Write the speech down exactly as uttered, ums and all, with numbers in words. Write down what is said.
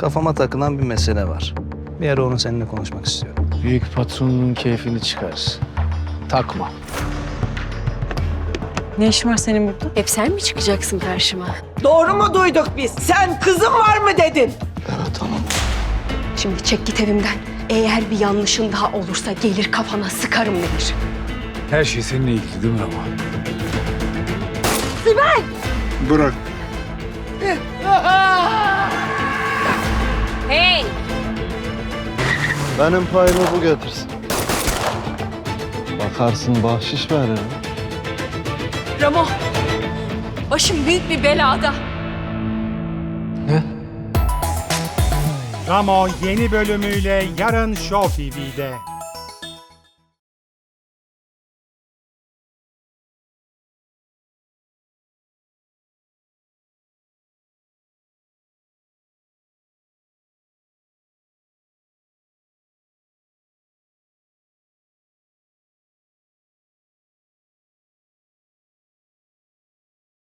Kafama takılan bir mesele var. Bir ara onu seninle konuşmak istiyorum. Büyük patronun keyfini çıkar. Takma. Ne işin var senin burada? Hep sen mi çıkacaksın karşıma? Doğru mu duyduk biz? Sen kızım var mı dedin? Evet hanım. Şimdi çek git evimden. Eğer bir yanlışın daha olursa gelir kafana sıkarım Demir. Her şey seninle ilgili değil mi Ramo? Bırak. Hey! Benim payımı bu götürsün. Bakarsın bahşiş veririm. Ramo! Başım büyük bir belada. Ramo yeni bölümüyle yarın Show T V'de.